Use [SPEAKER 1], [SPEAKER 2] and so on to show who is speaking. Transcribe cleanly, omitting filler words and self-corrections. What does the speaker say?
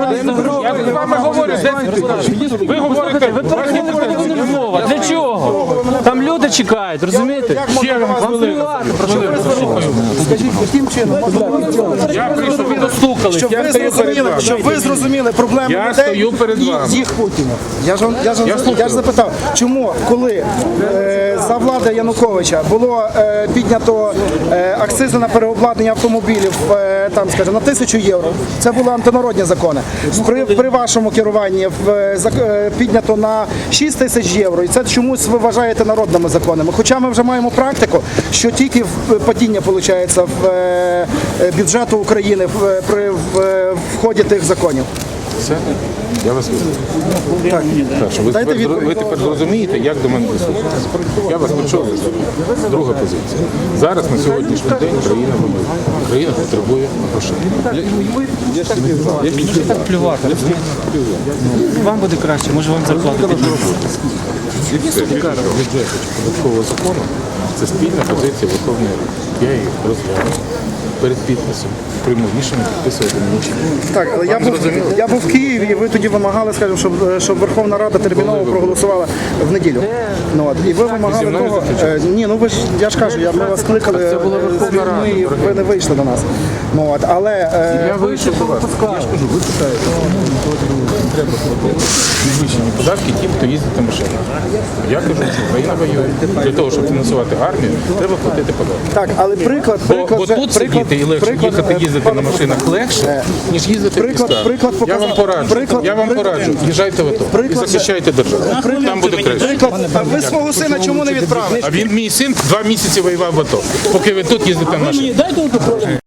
[SPEAKER 1] Я з вами говорю 10 разів. Ви говорите,
[SPEAKER 2] Мова. Для чого? Там люди чекають, розумієте?
[SPEAKER 1] ще вам хвилину.
[SPEAKER 3] Скажіть, яким чином?
[SPEAKER 1] Я прийшов, ви достукались.
[SPEAKER 3] Щоб ви зрозуміли проблеми
[SPEAKER 1] Я
[SPEAKER 3] людей
[SPEAKER 1] стою перед
[SPEAKER 3] і
[SPEAKER 1] вами.
[SPEAKER 3] їх Путіна. Я ж запитав, чому, коли за влади Януковича було піднято акцизи на переобладнання автомобілів там, скажімо, на 1000 євро, це були антинародні закони. При вашому керуванні піднято на 6 тисяч євро, і це чомусь ви вважаєте народними законами. Хоча ми вже маємо практику, що тільки падіння виходить в бюджету України при вході тих законів.
[SPEAKER 1] Все? Я вас вислухаю. Ви тепер зрозумієте, як до мене дослухатися. Я вас почув. Друга позиція. Зараз на сьогоднішній день країна воює. Країна потребує грошей.
[SPEAKER 2] Так плювати. Вам буде краще, може вам зарплату підвищити.
[SPEAKER 1] І все. Бюджет податкового закону – це спільна позиція Верховної Ради. Я її розгляну перед підписом. Прийму рішення підписувати мені.
[SPEAKER 3] Так, але я був в Києві, і ви тоді вимагали, скажімо, щоб Верховна Рада терміново проголосувала в неділю. І ви вимагали того. Ні, ну ви ж, я ж кажу, ми вас кликали, і ви не вийшли до нас. Але
[SPEAKER 1] Я вийшов до вас. Я ж кажу, ви питаєте, треба платити підвищені податки тим, хто їздить на машинах. Я кажу, що країна воює. Для того, щоб фінансувати армію, треба платити податки.
[SPEAKER 3] так, але приклад,
[SPEAKER 1] Бо тут сидіти і легше їздити на машинах легше, ніж їздити в містах. Я вам пораджу, їжджайте в АТО і захищайте державу. Там буде краще.
[SPEAKER 3] А ви свого сина чому не відправили?
[SPEAKER 1] А мій син 2 місяці воював в АТО, поки ви тут їздите на машинах.